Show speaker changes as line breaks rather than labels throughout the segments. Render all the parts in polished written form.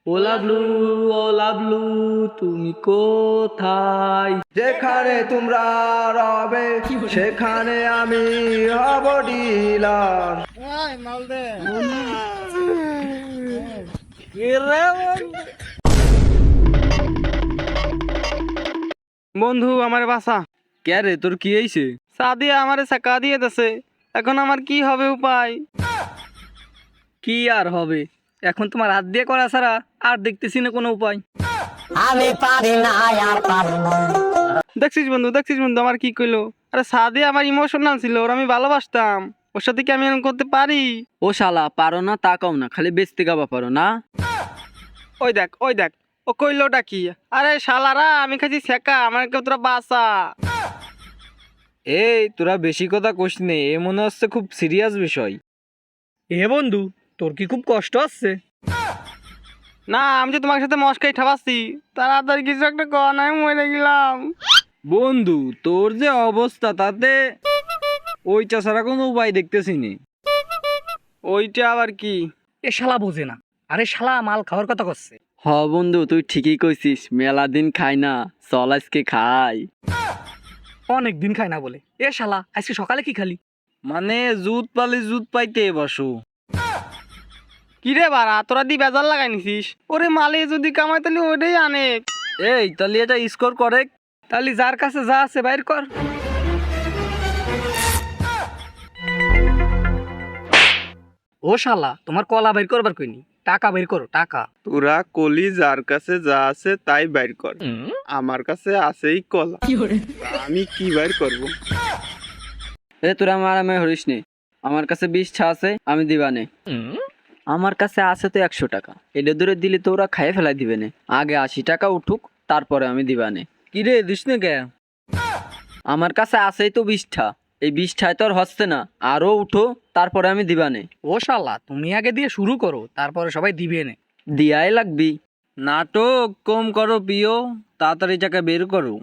ও লাভলু, ও লাভলু, তুমি কোথায়?
যেখানে তোমরা রবে সেখানে আমি হব ডিলার।
বন্ধু আমার বাসা।
কে রে, তোর কি হয়েছে?
সাদিয়া আমারে চাকা দিয়ে দেছে, এখন আমার কি হবে উপায়?
কি আর হবে, এখন তোমার হাত দিয়ে করা ছাড়া আর দেখতেছি না কোনো উপায়।
দেখছিস বন্ধু, দেখছিস বন্ধু আমার কি কইলো? আরে সাদিয়া আমার ইমোশনাল ছিল, ওর আমি ভালোবাসতাম, ওর সাথে কি আমি এরকম করতে পারি?
ও শালা, পারো না তা কও না, খালি বেচতে গাবা পারো না।
ওই দেখ, ওই দেখ, ও কইলোটা কি? আরে শালারা, আমি খাইছি ছেকা, আমার কেউ তোরা বাসা।
এই তোরা বেশি কথা কইস নে, এ মনে হচ্ছে খুব সিরিয়াস বিষয়।
এ বন্ধু, তোর কি খুব কষ্ট হচ্ছে? না, আমি যে তোমার সাথে মস্কাই ঠাপাচ্ছি, তাড়াতাড়ি কিছু একটা কর, না আমি মরে গেলাম।
বন্ধু তোর যে অবস্থা, তাতে ওইটা ছাড়া কোনো উপায় দেখতেছি নি।
ওইটা আবার কি?
এ শালা বোঝে না, আরে শালা মাল খাওয়ার কথা করছে।
হ বন্ধু, তুই ঠিকই কইছিস, মেলা দিন খাই না, চল আজকে খাই।
অনেক দিন খায় না বলে। এ শালা আজকে সকালে কি খালি?
মানে জুত পালি জুত পাইতে বসো।
কি রে বাড়া, তোরা দি বেজার লাগাই নিছিস? ওরে মালে যদি কামাই তাহলে ওটাই আনে।
এই তাহলে এটা স্কোর করে।
তাহলে যার কাছে যা আছে বাইর কর।
ও শালা, তোমার কলা বের করবার কইনি, টাকা বের করো টাকা।
তোরা কলি যার কাছে যা আছে তাই বাইর কর, আমার কাছে আছেই কলা, আমি কি বাইর করব?
এ তোরা মারামারি হরিস নে, আমার কাছে 20টা আছে, আমি দিবানে। আমার কাছে আছে তো 100 টাকা, এটা দূরে দিলে তো ওরা খাইয়ে ফেলাই দিবে না। আগে 80 টাকা উঠুক, তারপরে আমি দিবানে। কি রে, দিস না কে? আমার কাছে আছেই তো 20টা, এই 20টায় তো আর হচ্ছে না, আরো উঠো, তারপরে আমি দিবানে।
ও শালা, তুমি আগে দিয়ে শুরু করো, তারপরে সবাই দিবে নে।
দিয়াই লাগবি। নাটক কম করো প্রিয়, তাড়াতাড়ি টাকা বের করো।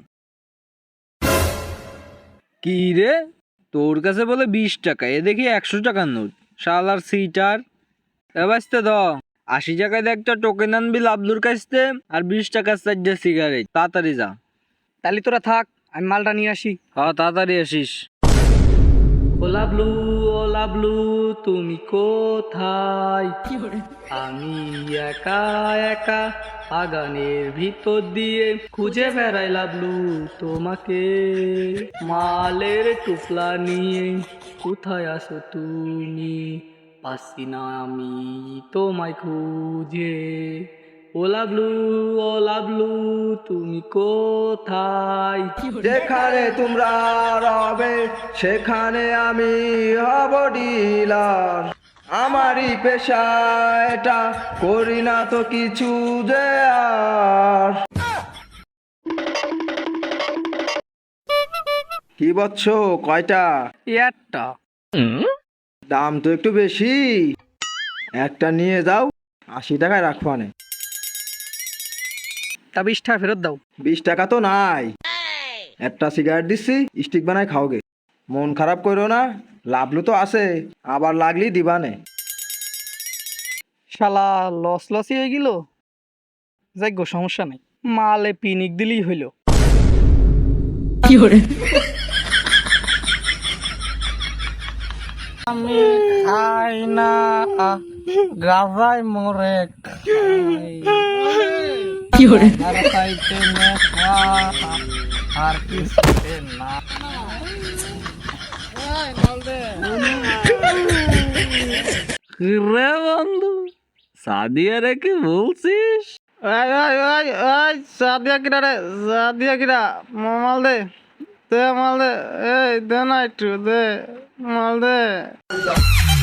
কি রে, তোর কাছে বলে 20 টাকা, এ দেখি 100 টাকার নোট, শালার সিটার। এবারে দ 80 টাকায় একটা টোকেন আনবি লাবলুর কাছতে, আর 20 টাকার 4টা সিগারেট। তাড়াতাড়ি যা।
তাহলে তোরা থাক, আমি মালটা নিয়ে আসি।
হ্যাঁ তাড়াতাড়ি আসিস।
ও লাভলু, ও লাভলু, তুমি কোথায়? আমি একা একা বাগানের ভিতর দিয়ে খুঁজে বেড়াই লাভলু তোমাকে। মালের টুপলা নিয়ে কোথায় আসো তুমি? পাচ্ছি না আমি তোমায় খুঁজে। ও লাভলু, ও লাভলু, তুমি কোথায়?
যেখানে তোমরা রবে সেখানে আমি হব ডিলার। আমারই পেশা এটা, করি না তো কিছু যে আর। কি বলছ, কয়টা?
একটা।
দাম তো একটু বেশি, একটা নিয়ে যাও, 80 টাকায় রাখবানে।
তা 20 টাকা ফেরত দাও।
20 টাকা তো নাই, একটা সিগারেট দিচ্ছি, স্টিক বানাই খাওগে। মন খারাপ করো না, লাভলু তো আছে, আবার লাগলি দিবানে।
শালা লস লসই হয়ে গেল। যাই গো, সমস্যা নেই, মালে পিনিক দিলেই হইল। আমি খাই না, গাজায় মরে খাইতে নেশা, আর কিছুতে না।
রে বন্ধু, সাদিয়া রে কি বলছিস?
সাদিয়া কিরা রে, সাদিয়া কিরা, মাল দে, দে মাল দে, এই দে না একটু দে, মাল দে।